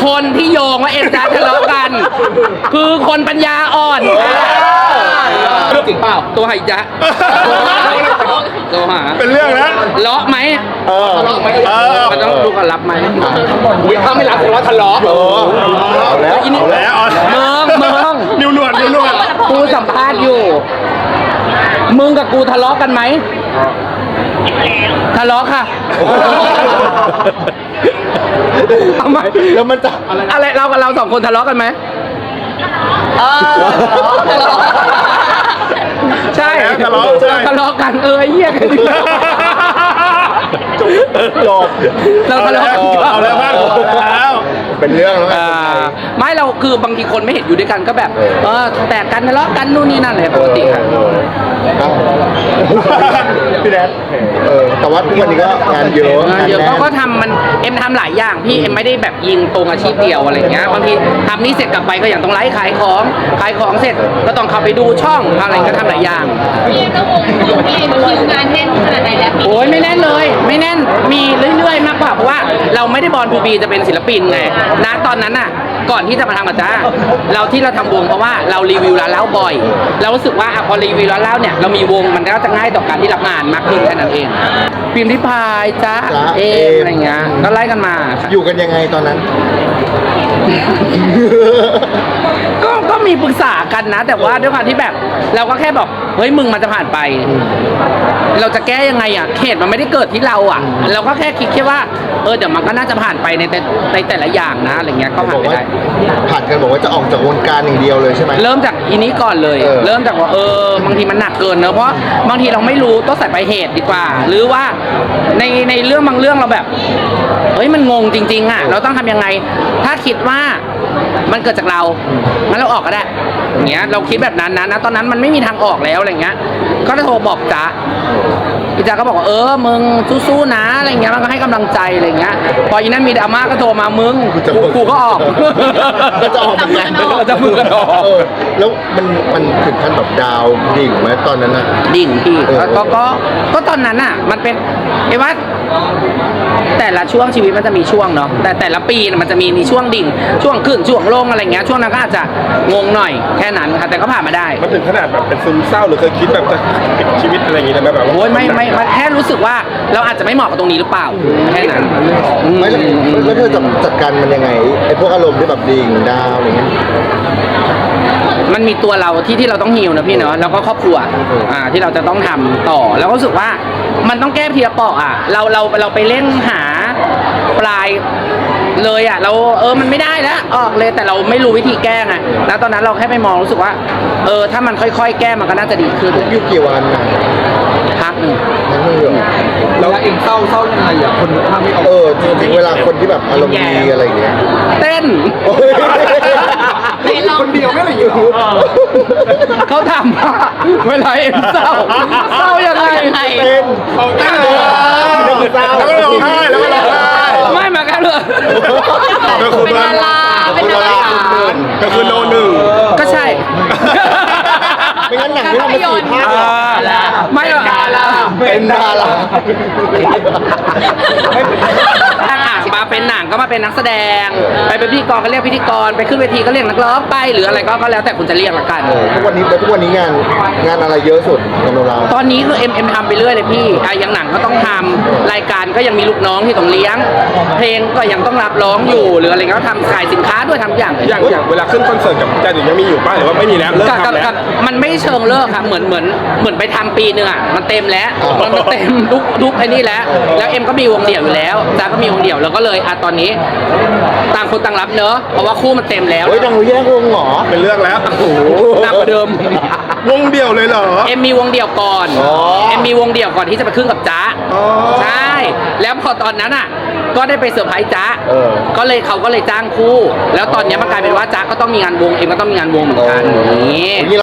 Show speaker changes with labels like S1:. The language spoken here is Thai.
S1: คนที่โยงว่าเอ็มจ๊ะทะเลาะกัน คือคนปัญญาอ่อนจริงเปล่าตัวหายจ๊ะตัวหา
S2: เป็นเรื่องนะ
S1: เลาะไหมมันต้องดูก่อนรับไหมถ้าไม่รับแสดงว่าทะเลาะ
S2: เอาแล้ว
S1: เมือง
S2: นิ้วหนวด
S1: กูสัมภาษณ์อยู่มึงกับกูทะเลาะกันไหมทะเลาะค่ะทำไม
S2: แล้วมันจะ
S1: อะไรเรากับเราสองคนทะเลาะกันไหมใช่ทะเลาะกันไอ้เหี้ยกัน
S2: จบ
S1: เราทะเลาะกัน
S2: เอาแล้วบ้างแล้วเป็นเรื่องแล้ว
S1: ไม่เราคือบางทีคนไม่เห็นอยู่ด้วยกันก็แบบแตกกันทะเลาะกันนู่นนี่นั่นเลยปกติค่ะ
S2: พี่แดนแต่ว่าทุกวันนี้ก็งานเยอะ
S1: เขาก็ทำมันเอ็มทำหลายอย่างพี่เอ็มไม่ได้แบบยิงตรงอาชีพเดียวอะไรเงี้ยบางทีทำนี่เสร็จกลับไปก็อย่างต้องไลฟ์ขายของเสร็จก็ต้องเข้าไปดูช่องอะไรก็ทำหลายอย่าง
S3: พี่ต้องงงพี่คิวงานแน่นขนาดไหนแล้ว
S1: โอ้ยไม่แน่นเลยไม่แน่นมีเรื่อยๆมากกว่าเพราะว่าเราไม่ได้บอลทูบีจะเป็นศิลปินไงนะตอนนั้นน่ะก่อนที่จะมาทำกับจ้าเราทำวงเพราะว่าเรารีวิวร้านเหล้าบ่อยเรารู้สึกว่าพอรีวิวร้านเหล้าเนี่ยเรามีวงมันก็จะง่ายต่อการที่รับงานมากขึ้นแค่นั้นเองพิมพ์ริพายจ้าอะไรเงี้ยก็ไล่กันมา
S2: อยู่กันยังไงตอนนั้น
S1: ก็มีปรึกษากันนะแต่ว่าด้วยความที่แบบเราก็แค่บอกเฮ้ยมึงมันจะผ่านไปเราจะแก้ยังไงอ่ะเหตุมันไม่ได้เกิดที่เราอ่ะเราก็แค่คิดแค่ว่าเดี๋ยวมันก็น่าจะผ่านไปในแต่ละอย่างนะอะไรเงี้ยก็ผ่านไปได้
S2: ผ่านกันบอกว่าจะออกจากวงการอย่างเดียวเลยใช่ไหม
S1: เริ่มจากอีนี้ก่อนเลยเริ่มจากว่าบางทีมันหนักเกินเนอะเพราะบางทีเราไม่รู้ต้องใส่ไปเหตุดีกว่าหรือว่าในเรื่องบางเรื่องเราแบบเฮ้ยมันงงจริงๆอ่ะเราต้องทำยังไงถ้าคิดว่ามันเกิดจากเรางั้นเราออกก็ได้อย่างเงี้ยเราคิดแบบนั้นนะตอนนั้นมันไม่มีทางออกแล้วอะไรเงี้ยก็โทรบอกจ๊ะพี่จ๊ะก็บอกว่ามึงสู้ๆนะอะไรเงี้ยมันก็ให้กำลังใจอะไรเงี้ยพออีนั้นมีดราม่าก็โทรมามึงกูก็ออก
S2: ก็จะออกเหมือนกัน
S1: จะมึงก็ออก
S2: แล้วมันถึงขั้นแบบดาวดิ่งไหมตอนนั้นน่ะ
S1: ดิ่งพี่ก็ตอนนั้นน่ะมันเป็นไอ้ว่าแต่ละช่วงชีวิตมันจะมีช่วงเนาะแต่ละปีมันจะมีช่วงดิ่งช่วงขึ้นช่วงลงอะไรเงี้ยช่วงนั้นก็อาจจะงงหน่อยแค่นั้นค่ะแต่ก็ผ่านมาได้
S2: มันถึงขนาดแบบเป็นซึมเศร้าหรือเคยคิดแบบจะปิดชีวิตอะไรอย่างงี้ได้ไหมแบบ
S1: โอ้ยไม่แค่รู้สึกว่าเราอาจจะไม่เหมาะกับตรงนี้หรือเปล่าแค่นั้น
S2: ไม่แล้วเธอจัดการมันยังไงไอ้พวกอารมณ์ที่แบบดิ่งดาวอะไรเงี้ย
S1: มันมีตัวเราที่เราต้องฮีลนะพี่เนาะแล้วก็ครอบครัวที่เราจะต้องทำต่อแล้วก็รู้สึกว่ามันต้องแก้ทีละเปาะเราไปเล่นหาปลายเลยเรามันไม่ได้แล้วออกเลยแต่เราไม่รู้วิธีแก้ไงแล้วตอนนั้นเราแค่ไปมองรู้สึกว่าถ้ามันค่อยๆแก้มันก็น่าจะดีขึ้น
S2: ยุคกี่วัน
S1: พักหนึ่ง
S2: แล้วเองเศร้ายังไงคนถ้าไม่ออกจริงๆเวลาคนที่แบบอารมณ์ดีอะไรอย่างเงี้ย
S1: เต้น
S2: คนเดียวไม่อะไรอยู่
S1: เขาถามว่าเวลาเอ็มเศร้ายังไง
S2: เต้นแล้วก็ร้องไห้
S1: ไม่มากันเลย
S3: เป็นดารา
S2: ก็คือโนหนึ่ง
S1: ก็ใช่
S2: ไม่งั้นหนังไม่ทำมา4 ภาค
S1: ไม่หรอก
S2: เป็นดารา
S1: มาเป็นหนังก็มาเป็นนักแสดงไปเป็นพิธีกรก็เรียกพิธีกรไปขึ้นเวทีก็เรียกนักร้องไปหรืออะไรก็แล้วแต่คุณจะเรียกละกัน
S2: ทุกวันนี้งานอะไรเยอะสุดของเรา
S1: ตอนนี้คือเอ็มทำไปเรื่อยเลยพี่อย่างหนังก็ต้องทำรายการก็ยังมีลูกน้องที่ต้องเลี้ยงเพลงก็ยังต้องรับร้องอยู่หรืออะไรก็ทำขายสินค้าด้วยทำอย่าง
S2: เวลาขึ้นคอนเสิร์ตกับจันยังมีอยู่ป่ะหรือว่าไม่มีแล้วเลิกทำแล้ว
S1: มันไม่เชิงเลิกครับเหมือนไปทำปีนึงมันเต็มแล้วมันเต็มทุกไอ้นี่แล้วเอ็มก็มีวงเดี่ยวอยู่แล้วจ้าก็มีวงเดี่ยวแล้วก็เลยตอนนี้ต่างคนต่างรับเนอะเพราะว่าคู่มันเต็มแล้ว
S2: เฮ้ยต้องแยกวงหรอเป็นเรื่องแล้วโอ้โห
S1: หนักกว่าเดิม
S2: วงเดี่ยวเลยเหรอ
S1: เอ็มมีวงเดี่ยวก่อนเอ็มมีวงเดี่ยวก่อนที่จะไปขึ้นกับจ๊ะใช่แล้วพอตอนนั้นก็ได้ไปเซอร์ไพรส์จ๊ะก็เลยเขาก็เลยจ้างคู่แล้วตอนนี้มันกลายเป็นว่าจ๊ะก็ต้องมีงานวงเอ็มก็ต้องมีงานวงเหมือนกันนี่